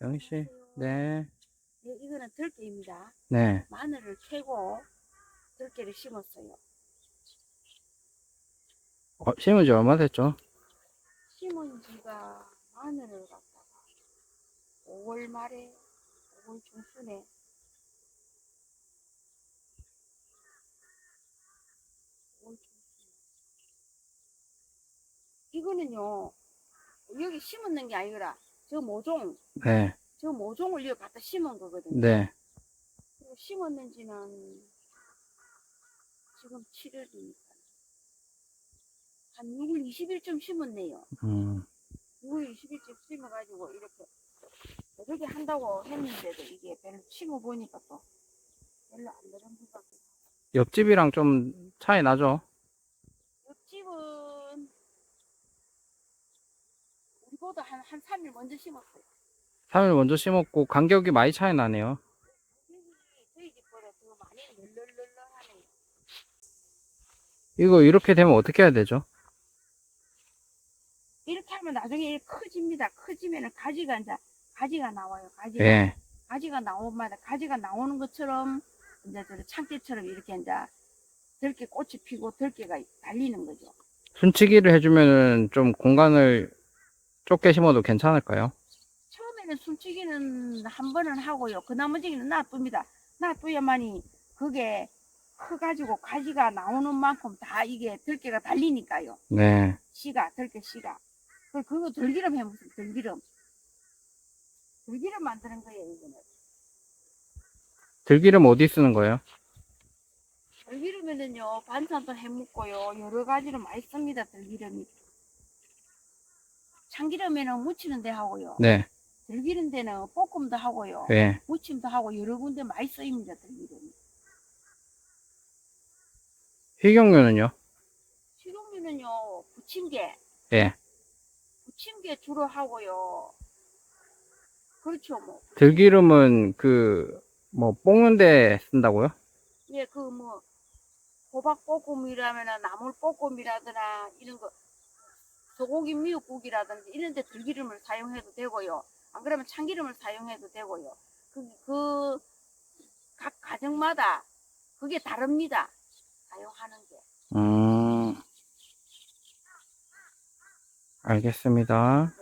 영희 씨, 안녕하세요. 네, 네, 이거는 들깨입니다. 네. 마늘을 캐고 들깨를 심었어요. 심은 지 얼마 됐죠? 심은 지가 마늘을 갖다가 5월 말에, 5월 중순에, 5월 중순에. 이거는요, 여기 심었는 게 아니라 저 모종, 네, 저 모종을 여기 갖다 심은 거거든요. 네. 그리고 심었는 지는 지금 7월이니까 한 6월 20일쯤 심었네요. 음, 6월 20일쯤 심어가지고 이렇게 이렇게 한다고 했는데도 이게 별로 심어보니까 또 별로 안 되는 것 같아요. 옆집이랑 좀 차이 나죠? 옆집은 우리보다 한 3일 먼저 심었어요. 3일 먼저 심었고, 간격이 많이 차이 나네요. 저희 집보다 더 많이 널널널널하네요. 이거 이렇게 되면 어떻게 해야 되죠? 이렇게 하면 나중에 커집니다. 커지면은 가지가 이제 가지가 나와요. 가지가 예. 가지가 나오마다 가지가 나오는 것처럼 이제 저 참깨처럼 이렇게 이제 들깨 꽃이 피고 들깨가 달리는 거죠. 순치기를 해주면은 좀 공간을 좁게 심어도 괜찮을까요? 처음에는 숨치기는 한 번은 하고요. 그 나머지는 놔둡니다. 놔둬야만이 그게 커가지고 가지가 나오는 만큼 다 이게 들깨가 달리니까요. 네. 들깨 씨가. 그거 들기름 해보세요. 들기름. 들기름 만드는 거예요, 이거는. 들기름 어디 쓰는 거예요? 들기름에는요, 반찬도 해 먹고요. 여러 가지로 많이 씁니다, 들기름이. 참기름에는 무치는 데 하고요. 네, 들기름 데는 볶음도 하고요. 예. 무침도 하고 여러 군데 많이 쓰입니다, 들기름이. 식용유는요? 식용유는요, 부침개. 예. 부침개 주로 하고요. 그렇죠, 뭐. 들기름은 볶는데 쓴다고요? 예, 그 뭐, 호박볶음이라거나 나물볶음이라거나 이런 거, 소고기 미역국이라든지 이런 데 들기름을 사용해도 되고요. 안 그러면 참기름을 사용해도 되고요. 각 가정마다 그게 다릅니다. 사용하는 게. 알겠습니다.